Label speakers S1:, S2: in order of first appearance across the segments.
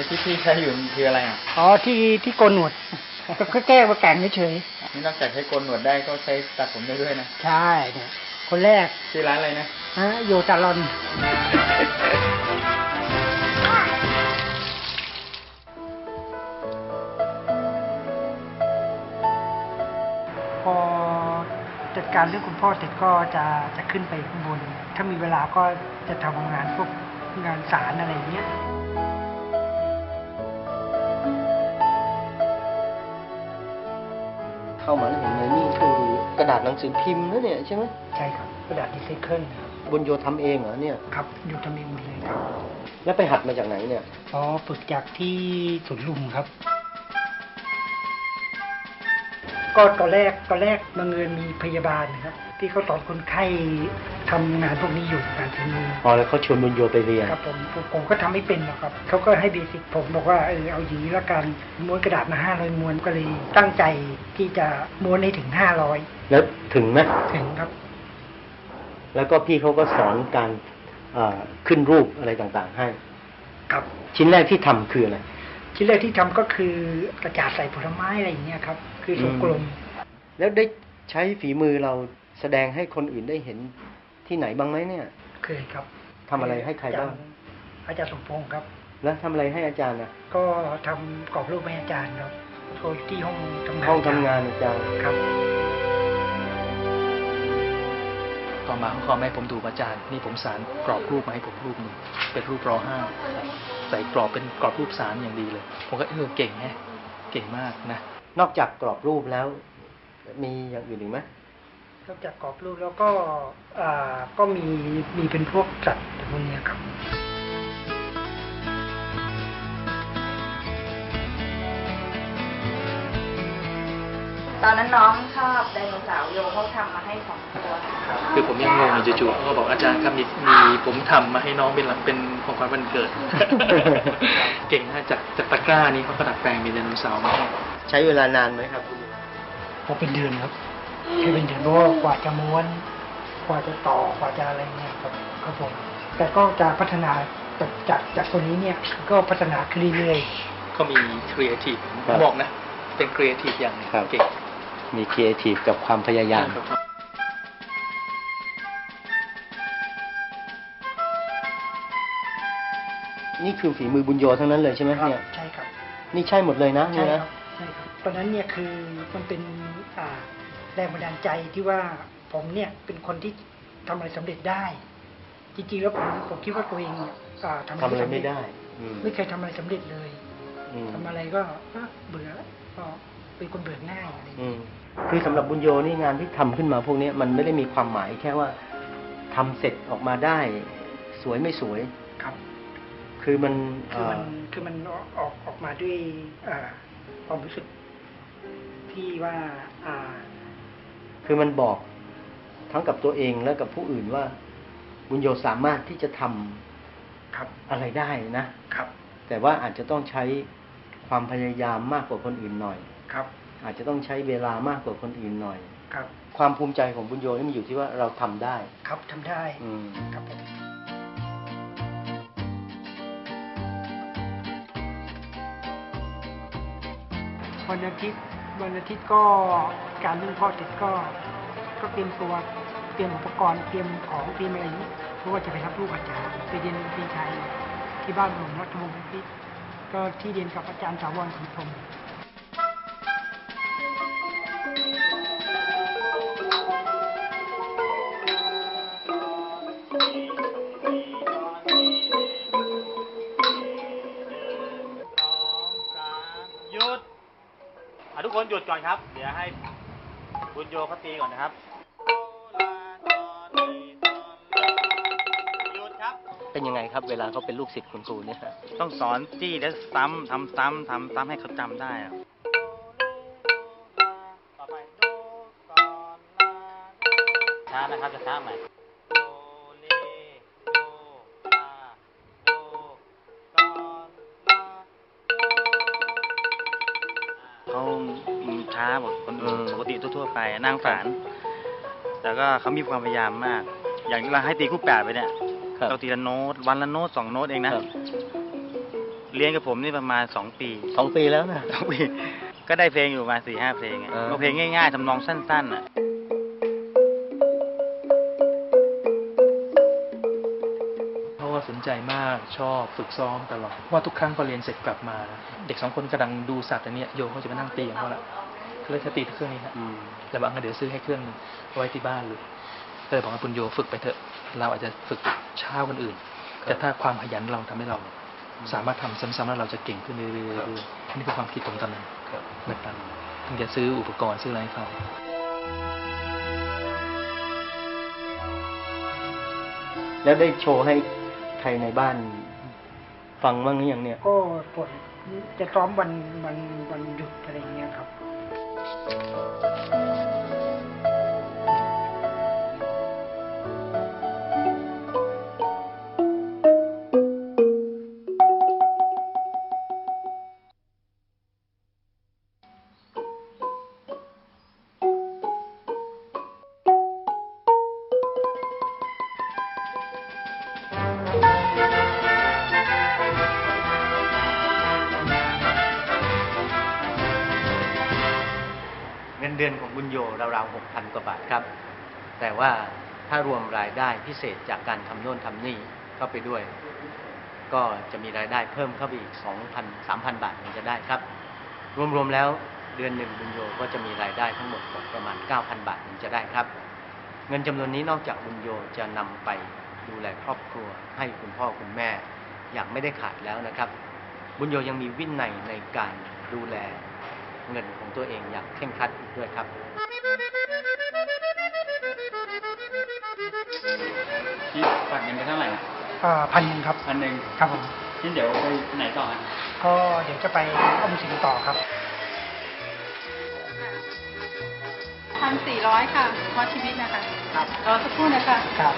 S1: ที่พี่ใช้อยู่มันคืออะไรอ่ะ
S2: อ๋อที่โกนหนวดก็แก้ว่าแก่งเฉย
S1: นี่นอกจากใช้โกนหนวดได้ก็ใช้ตัดผมได้ด้วยนะ
S2: ใช่เนี่ยคนแรก
S1: ชื่อร้านอะไรนะ
S2: โยตาลอนพอจัดการเรื่องคุณพ่อเสร็จก็จะขึ้นไปข้างบนถ้ามีเวลาก็จะทำงานพวกงานสารอะไรอย่างเงี้ย
S3: เข้ามาแล้วเห็นเลยนี่คือกระดาษหนังสือพิมพ์นะเนี่ยใช่ไหม
S2: ใช่ครับกระดาษรีไซเคิลครับ
S3: บุญโยทำเองเหรอเนี่ย
S2: ครับโยทำเองหมดเลยครับ
S3: แล้วไปหัดมาจากไหนเนี่ย
S2: อ๋อฝึกจากที่สวนลุมครับก็ตอนแรกบังเอิญมีพยาบาลนะครับที่เขาสอนคนไข้ทำงานพวกนี้อยู่งานฝีมือ
S3: อ๋อแล้วเขาชวนบุญโยไปเรียน
S2: ครับผมก็ทำไม่เป็นหรอกครับเขาก็ให้เบสิกผมบอกว่าเอาอย่างนี้ละกันม้วนกระดาษมา500ม้วนก็เลยตั้งใจที่จะม้วนให้ถึง500
S3: แล้วถึงไหม
S2: ถึงครับ
S3: แล้วก็พี่เขาก็สอนการขึ้นรูปอะไรต่างๆให้
S2: ครับ
S3: ชิ้นแรกที่ทำคืออะไร
S2: ชิ้นแรกที่ทำก็คือกระจาดใส่ผลไม้อะไรอย่างเงี้ยครับคือทรงกลม
S3: แล้วได้ใช้ฝีมือเราแสดงให้คนอื่นได้เห็นที่ไหนบ้างไหมเนี่ย
S2: เคยครับ
S3: ทำอะไรให้ใครบ้าง
S2: อาจารย์สมพงศ์ครับ
S3: แล้วทำอะไรให้อาจารย์นะ
S2: ก็ทำกรอบรูปให้อาจารย์ครับโชว์ที่ห้องทำง
S3: านอาจารย์
S2: ครับ
S1: ต่อมาเขาขอให้ผมดูอาจารย์นี่ผมสารกรอบรูปมาให้ผมรูปหนึ่งเป็นรูปร.5ใส่กรอบเป็นกรอบรูปสารอย่างดีเลยผมก็เก่งแฮะเก่งมากนะ
S3: นอกจากกรอบรูปแล้วมีอย่างอื่นอีกไหม
S2: นอกจากกรอบรูปแล้วก็มีเป็นพวกสัตว์พวกนี้ครับ
S4: ตอนนั้นน้องชอบไดโนเสาร์โยเขาทำมาให้2 ตัว
S1: คือผมยังงงอยู่จู่ๆเขาบอกอาจารย์ครับมีผมทำมาให้น้องเป็นของขวัญวันเกิด เก่งนะจากตะกร้านี้เขาก็ดัดแปลงเป็นไดโนเสาร์มา
S3: ใช้เวลานานไหมครับ
S2: พอเป็นเดือนครับแค่เป็นเดือนเพราะว่ากว่าจะม้วนกว่าจะต่อกว่าจะอะไรเนี่ยครับผมแต่ก็จะพัฒนาจากตัวนี้เนี่ยก็พัฒนาขึ้นเรื่อย
S1: ๆก็มีครีเอทีฟบอกนะเป็นครีเอทีฟอย่างนึงเก่ง
S3: มีครีเอทีฟกับความพยายามนี่คือฝีมือบุญโยทั้งนั้นเลยใช่ไหมเนี่ย
S2: ใช่ครับ
S3: นี่ใช่หมดเลยนะ
S2: ใช่ครับใช่ครับตอนนั้นเนี่ยคือมันเป็นแรงบันดาลใจที่ว่าผมเนี่ยเป็นคนที่ทำอะไรสำเร็จได้จริงๆแล้วผมคิดว่าตัวเองทำ
S3: อะไรไม่ได้
S2: ไม่เคยทำอะไรสำเร็จเลยทำอะไรก็เบื่อก็เป็นคนเบื่อง่ายอะไร
S3: คือสำหรับบุญโยนี่งานที่ทำขึ้นมาพวกนี้มันไม่ได้มีความหมายแค่ว่าทำเสร็จออกมาได้สวยไม่สวย
S2: ครับ
S3: คือมัน
S2: ออกมาด้วยความรู้สึกที่ว่า
S3: คือมันบอกทั้งกับตัวเองและกับผู้อื่นว่าบุญโยสามารถที่จะทำอะไรได้นะครับแต่ว่าอาจจะต้องใช้ความพยายามมากกว่าคนอื่นหน่อย
S2: ครับ
S3: อาจจะต้องใช้เวลามากกว่าคนอื่นหน่อย
S2: ครับ
S3: ความภูมิใจของบุญโยนี่มันอยู่ที่ว่าเราทำได้
S2: ครับทำได้ครับวันอาทิตย์ก็การเรื่องพ่อเสร็จก็เตรียมตัวเตรียมอุปกรณ์เตรียมของเตรียมอะไรนี้เพราะว่าจะไปรับลูกอาจารย์ไปเรียนดนตรีไทยที่บ้านหลวงรัตนวงศ์พิษก็ที่เรียนกับอาจารย์ถาวรศรีพรหม
S5: ทุกคนหยุดก่อนครับเดี๋ยวให้บุญโยเขาตีก่อนนะครับหยุดครับ
S3: เป็นยังไงครับเวลาเขาเป็นลูกศิษย์คุณครูเนี่ย
S5: ต้องสอนจี้แล้วซ้ำทำซ้ำให้เขาจำได้อะต่อไปช้านะครับจะช้าใหม่เขาช้าหมดคนอื่นปกติทั่วๆไปนั่งฝานแต่ก็เขามีความพยายามมากอย่างเราให้ตีคู่8ไปเนี่ยเราตีละโน้ตวันละโน้ต2 โน้ตเองนะเรียนกับผมนี่ประมาณ2 ปี
S3: 2 ปีแล้วนะ
S5: 2 ปีก็ได้เพลงอยู่ประมาณ4-5 เพลงอะ ก็เพลงง่ายๆทำนองสั้นๆอ่ะ
S1: เพราะว่าสนใจมากชอบฝึกซ้อมตลอดว่าทุกครั้งพอเรียนเสร็จกลับมา เด็ก2 คนกำลังดูสัตว์อันเนี้ยโยเขาจะมานั่งตีของเขาละเขาเลยจะตีเครื่องนี้ฮะแล้วบางก็เดี๋ยวซื้อให้เครื่องหนึงไว้ที่บ้านเลยก็เลยบอกว่าคุณโยฝึกไปเถอะเราอาจจะฝึกช้าคนอื่น แต่ถ้าความขยันเราทำให้เราสามารถทำซ้ำๆแล้วเราจะเก่งขึ้นเรื่อยๆนี่คือความคิดผมตอนนั้นแบบนั้นถึงจะซื้ออุปกรณ์ซื้ออะไรให้เขา
S3: แล้วได้โชว์ให้ใครในบ้านฟังบ้างหรือยังเนี่ย
S2: ก็ปวดจะซ้อมวันหยุดอะไรอย่างเงี้ยครับ
S3: เงินเดือนของบุญโยราวๆ 6,000 กว่าบาทครับ แต่ว่าถ้ารวมรายได้พิเศษจากการทำโน่นทำนี่เข้าไปด้วย ก็จะมีรายได้เพิ่มเข้าไปอีก 2,000 3,000 บาทมันจะได้ครับ รวมๆแล้วเดือนหนึ่งบุญโยก็จะมีรายได้ทั้งหมดประมาณ 9,000 บาทมันจะได้ครับ เงินจำนวนนี้นอกจากบุญโยจะนำไปดูแลครอบครัวให้คุณพ่อคุณแม่อย่างไม่ได้ขาดแล้วนะครับ บุญโยยังมีวินัยในการดูแลเงินของตัวเองอย่างเคร่งครัดอีกด้วยครับ
S6: ที่ฝากเงินไปเท่าไหร่นะ
S2: 1,000 ครับ
S6: 1,000
S2: ครับผม
S6: นี่เดี๋ยวไปไหนต่อฮะ
S2: ก็เดี๋ยวจะไปออมสินต่อครับ
S7: 1,400 ค่ะเพราะชีวิตนะคะ
S2: ครับ
S7: รอสักครู่นะคะ
S2: ครับ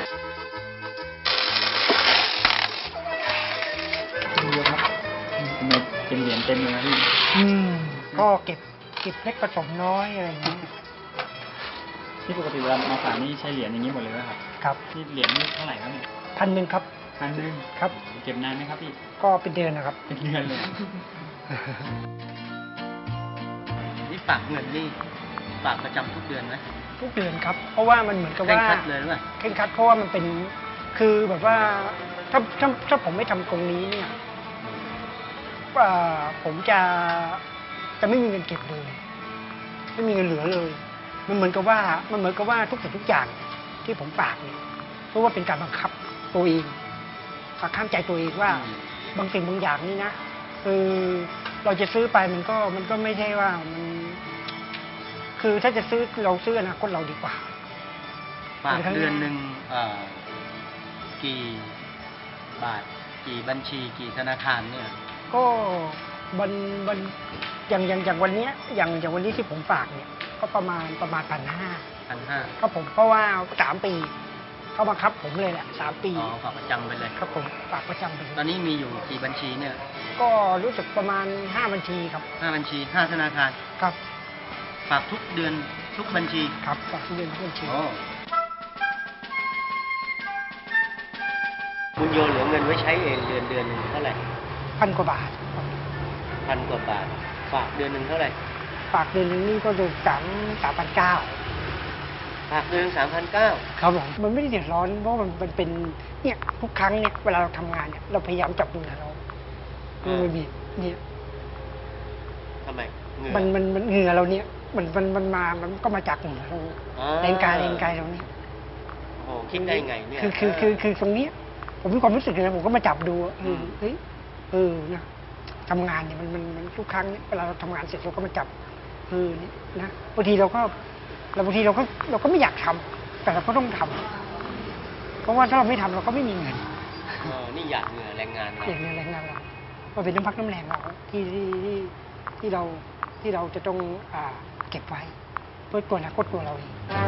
S2: ดูเยอะครับ
S6: ทำไมเป็นเหรียญเต็มเลยนะพี่
S2: ก็เก็บเล็กผสมน้อยอะไรอย่างเงี้ย
S6: ที่ปกติเวลามาฝากนี่ใช้เหรียญอย่างนี้หมดเลยไหมครับ
S2: ครับ
S6: ที่เหรียญนี่เท่าไหร่ครับเนี่ย
S2: 1,000 ครับ
S6: 1,000
S2: ครับ
S6: เก็บนานไหมครับพี่
S2: ก็เป็นเดือนนะครับ
S6: เป็นเดือนเลย
S3: นี่ฝากเงินนี่ฝากประจำทุกเดือนไหม
S2: ทุกเดือนครับ เพราะว่ามันเหมือนกับ
S3: เคร่ง
S2: ว่า
S3: ครัดเลยหรือเปล่า
S2: เคร่งครัดเพราะว่ามันเป็นคือแบบว่าถ้าผมไม่ทำตรงนี้เนี่ยผมจะไม่มีเงินเก็บเลย ไม่มีเงินเหลือเลย มันเหมือนกับว่าทุกสิ่งทุกอย่างที่ผมฝากเนี่ยเพราะว่าเป็นการบังคับตัวเองบังคับใจตัวเองว่าบางสิ่งบางอย่างนี่นะเราจะซื้อไปมันก็ไม่ใช่ว่ามันคือถ้าจะซื้อเราซื้ออนาคตเราดีกว่า
S3: ฝากเดือนหนึ่งกี่บาทกี่บัญชีกี่ธนาคารเนี่ย
S2: ก็วันอย่างวันเนี้ยอย่างวันนี้ที่ผมฝากเนี่ยก็ประมาณ 1,500 ครับผมเพราะว่า3 ปีเขาบังคับผมเลยแหละ3 ปี
S3: อ๋อฝากประจำไปเลย
S2: ครับผมฝากประจำไป
S3: ตอนนี้มีอยู่กี่บัญชีเนี่ย
S2: ก็รู้สึกประมาณ5 บัญชีครับ
S3: 5 บัญชี 5 ธนาคาร
S2: ครับ
S3: ฝากทุกเดือนทุกบัญชี
S2: ครับฝากทุกเดือนทุกบัญชี
S3: อ๋อบุญโยเหลือเงินไว้ใช้เองเดือนหนึ่งเท่าไหร่
S2: 1,000 กว่าบาท
S3: 1,000 กว่าบาท ฝากเดือนหนึ่งเท่าไหร่
S2: ฝากเดือนหนึงนี่ก็ดู3,900
S3: ฝากเดือน3,900
S2: ครับผมมันไม่ได้เดือดร้อนเพราะมันเป็นเนี่ยทุกครั้งเนี่ยเวลาเราทำงานเนี่ยเราพยายามจับมือเรามันบีบเนี่ย
S3: ทำไมเหงื่อ
S2: มันเหงื่อเราเนี่ยมันก็มาจากเหงื่อเรา
S3: อ๋อ
S2: แรงกายเราเนี่ย
S3: โอ้คิดได้ไงเนี่ย
S2: คือตรงเนี้ยผมมีความรู้สึกเลยนะผมก็มาจับดูเฮ้ยนะทำงานเนี่ยมันทุกครั้งเนี่ยเวลาเราทำงานเสร็จเราก็มาจับนี่นะบางทีเราก็ไม่อยากทำแต่เราก็ต้องทำเพราะว่าถ้าเราไม่ทำเราก็ไม่มีเงิน
S3: นี่หยาดเหงื่อแรงงานเรา
S2: อย่างนี้แรงงานเรามันเป็นน้ำพักน้ำแรงเราที่เราจะต้องเก็บไว้เพื่อตัวอนาคตตัวเราเอง